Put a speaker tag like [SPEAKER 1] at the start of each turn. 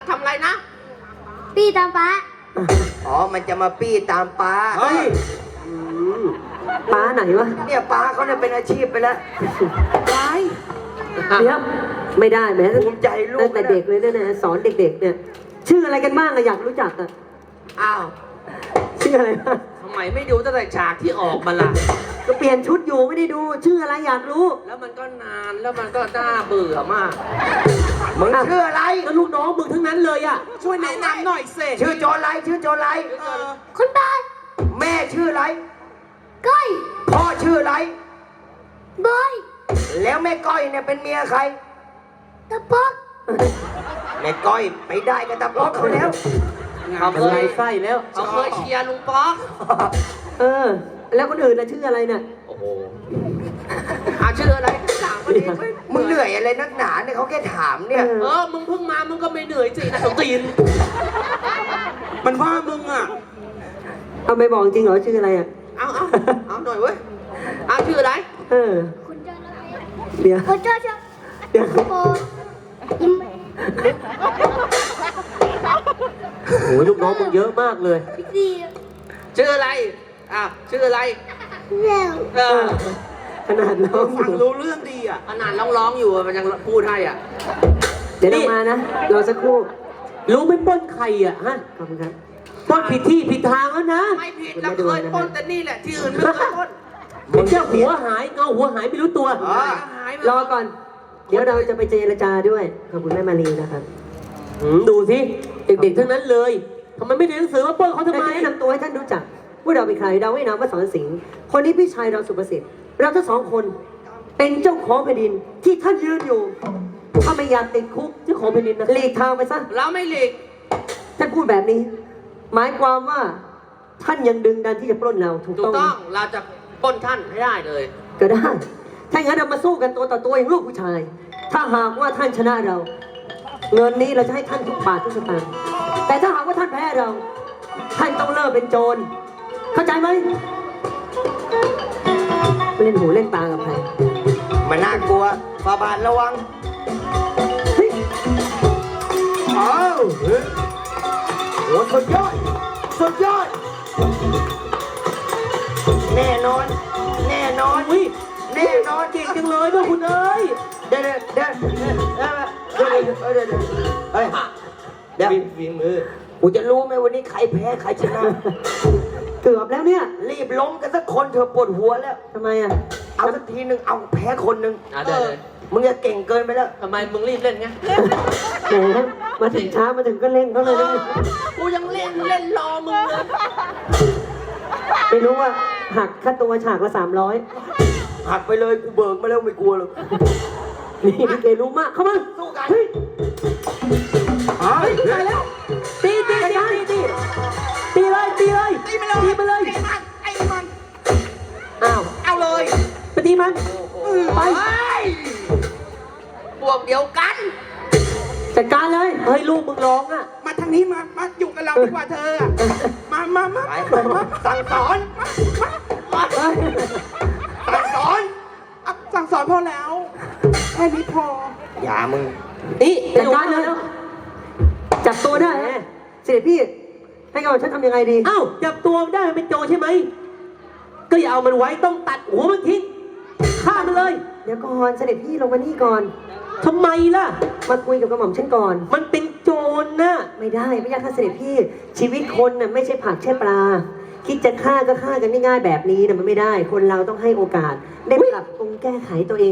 [SPEAKER 1] ทำอะไรนะ
[SPEAKER 2] ปี้ตามฟ้า
[SPEAKER 3] อ๋อมันจะมาปี้ตามป้า
[SPEAKER 4] เฮ้ยป้าไหนวะ
[SPEAKER 3] เนี่ยป้าเขาเนี่ยเป็นอาชีพไปแล้ว
[SPEAKER 4] เดี๋ยวไม่ได้แม้
[SPEAKER 3] ภูมิใจลูก
[SPEAKER 4] ตั้งแต่เด็กเลยเนี่ยนะสอนเด็กๆเนี่ย ชื่ออะไรกันบ้างอะอยากรู้จักอะ
[SPEAKER 1] อ้าว
[SPEAKER 4] ชื่ออะไรบ้าง
[SPEAKER 1] ทำไมไม่ดูตั้งแต่ฉากที่ออกมาล่ะ
[SPEAKER 4] ก็เปลี่ยนชุดอยู่ไม่ได้ดู ชื่ออะไรอยากรู้
[SPEAKER 1] แล้วมันก็นานแล้วมันก็น่าเบื่อมาก
[SPEAKER 3] มึงชื่ออะไร
[SPEAKER 4] ก็ลูกน้องมึงทั้งนั้นเลยอะ
[SPEAKER 1] ช่วยแนะนำหน่อยสิ
[SPEAKER 3] ชื่อโจรไรชื่อโจรไร
[SPEAKER 2] คนตาย
[SPEAKER 3] แม่ชื่ออะไร
[SPEAKER 2] ก้อย
[SPEAKER 3] พ่อชื่ออะไร
[SPEAKER 2] บอย
[SPEAKER 3] แล้วแม่ก้อยเนี่ยเป็นเมียใคร
[SPEAKER 2] ตะปอก
[SPEAKER 3] แม่ก้อยไปได้กับตาป๊อกเขาแล้ว
[SPEAKER 1] เขา
[SPEAKER 4] เป็น
[SPEAKER 1] เค
[SPEAKER 4] ไร
[SPEAKER 1] ย
[SPEAKER 4] ไส้แล้ว
[SPEAKER 1] เขาเคยเชียร์ลุงป๊อก
[SPEAKER 4] เออ แล้วคนอื่นล่ะชื่ออะไรเนี่ย
[SPEAKER 1] โอ้โหชื่ออะไรถามมาดิ
[SPEAKER 3] มึงเหนื่อยอะไรนักหนาเนี่ยเขาแค่ถามเนี่ย
[SPEAKER 1] มึงเพิ่งมามึงก็ไม่เหนื่อยสินะสตีนมันว่ามึงอ่ะ
[SPEAKER 4] เอาไม่บอกจริงเหรอชื่ออะไรอะ
[SPEAKER 1] เอาหน่อยเว้ยชื่ออะไร
[SPEAKER 4] เออ
[SPEAKER 2] คุณเจ้าละ
[SPEAKER 4] เดี๋ยว
[SPEAKER 2] คุณเจ้าเจ้า
[SPEAKER 4] เดี๋ยว
[SPEAKER 2] โบยิ้ม
[SPEAKER 4] โอ้ยลูกน้องมึงเยอะมากเลย
[SPEAKER 2] ดี
[SPEAKER 1] ชื่ออะไรชื่ออะไร
[SPEAKER 2] แล้ว
[SPEAKER 4] ขนาดน้อง
[SPEAKER 1] ฟังรู้เรื่องดีขนาดร้องอยู่มันยังพูดให้
[SPEAKER 4] เดี๋ยวเรามานะรอสักครู่ รู้ไม่ปล้นใครอะฮะ ขอบคุณครับปล้นผิดที่ผิดทางแล้วนะ
[SPEAKER 1] ไม่ผิดเราเคยปล้นแต่นี่แหละที่อื่นไม่เคยปล้น
[SPEAKER 4] ผมแค่หัวหายเงาหัวหายไม่รู้ตัว รอก่อน เดี๋ยวเราจะไปเจรจาด้วย ขอบคุณแม่มารีนะครับดูสิ เด็กๆทั้งนั้นเลยทำไมไม่เรียนหนังสือมาปล้นเขาทำไมแนะนำตัวให้ท่านรู้จักว่าเราเป็นใครเราให้นามว่าสอนสิงห์คนนี้พี่ชายเราสุประสิทธิ์เราทั้งสองคน เป็นเจ้าของแผ่นดินที่ท่านยืนอยู่ ถ้าไม่อยากติดคุกเจ้าของแผ่นดินนะหลีกทางไปซะ
[SPEAKER 1] เราไม่หลีก
[SPEAKER 4] ท่านพูดแบบนี้ หมายความว่าท่านยังดึงดันที่จะปล้นเราถูก
[SPEAKER 1] ถูก
[SPEAKER 4] ต้องไหม
[SPEAKER 1] ต้องเราจะปล้นท่านให้ได้เลย
[SPEAKER 4] ก็ได้ ถ้าอย่างนั้นเรามาสู้กันตัวต่อตัวอย่างลูกผู้ชาย ถ้าหากว่าท่านชนะเรา เงินนี้เราจะให้ท่านทุกบาททุกสตางค์ แต่ถ้าหากว่าท่านแพ้เรา ท่านต้องเลิกเป็นโจร เข้าใจไหมไม่เล่นหูเล่นตากับใคร
[SPEAKER 3] มันน่ากลัวฟาบาทระวังอ้าวโหสุดยอดสุดยอดแน่นอนแน่นอน
[SPEAKER 4] อุ้ย
[SPEAKER 3] แน่นอน
[SPEAKER 4] เก่งจังเลยด้วยคุณเอ้ย
[SPEAKER 3] เดี๋ยวเฮ้ยเดี๋ยวฝีมือกูจะรู้ไหมวันนี้ใครแพ้ใครชนะ
[SPEAKER 4] เกือบแล้วเนี่ย
[SPEAKER 3] รีบล้มกันสักคนเธอปวดหัวแล้ว
[SPEAKER 4] ทำไมอ่ะ
[SPEAKER 3] เอาสักทีหนึ่งเอาแพ้คนหนึ่ง
[SPEAKER 1] เดี๋ยว
[SPEAKER 3] มึงจะเก่งเกินไปแล้ว
[SPEAKER 1] ทำไมมึงรีบเล่นไง
[SPEAKER 4] แหมมาถึงช้ามาถึงก็เล่นเขาเลยนะ
[SPEAKER 1] กูยังเล่นรอมึงเลย
[SPEAKER 4] ไม่รู้ว่าหักค่าตัวฉากละ300
[SPEAKER 3] หักไปเลยกูเบิกมาแล้วไม่กลัวหรอก
[SPEAKER 4] นี่ลิเกรู้มาก เข้ามา
[SPEAKER 3] สู้กัน
[SPEAKER 4] เฮ้ย
[SPEAKER 3] เฮ้ย
[SPEAKER 4] ตายแล้วตีเลยตีไปเลย
[SPEAKER 1] ไอ้มัน
[SPEAKER 4] อ้าว
[SPEAKER 1] เอาเลย
[SPEAKER 4] ไปตีมันไป
[SPEAKER 1] พวกเดียวกัน
[SPEAKER 4] จัดการเลยเฮ้ยลูกมึงร้องอ่ะ
[SPEAKER 5] มาทางนี้มาอยู่กับเราดีกว่าเธออะมา
[SPEAKER 3] ไปสั่งสอน
[SPEAKER 4] เฮ้ย
[SPEAKER 3] สั่งสอน
[SPEAKER 5] อ่ะสั่งสอนพอแล้ว แค่นี้พอ
[SPEAKER 3] อย่ามึง
[SPEAKER 4] นี่จัดการเลยจับตัวได้เสด็จพี่ให้เราฉันทำยังไงดีอ้าวจับตัวได้มันเป็นโจรใช่ไหมก็อย่าเอามันไว้ต้องตัดหัวมันทิ้งฆ่ามันเลยเดี๋ยวก่อนเสด็จพี่ลงมานี่ก่อนทำไมล่ะมาคุยกับกระหม่อมฉันก่อนมันเป็นโจรนะไม่ได้ไม่ยากค่ะเสด็จพี่ชีวิตคนน่ะไม่ใช่ผักใช่ปลาคิดจะฆ่าก็ฆ่ากันง่ายๆแบบนี้นะมันไม่ได้คนเราต้องให้โอกาสได้ปรับปรุงแก้ไขตัวเอง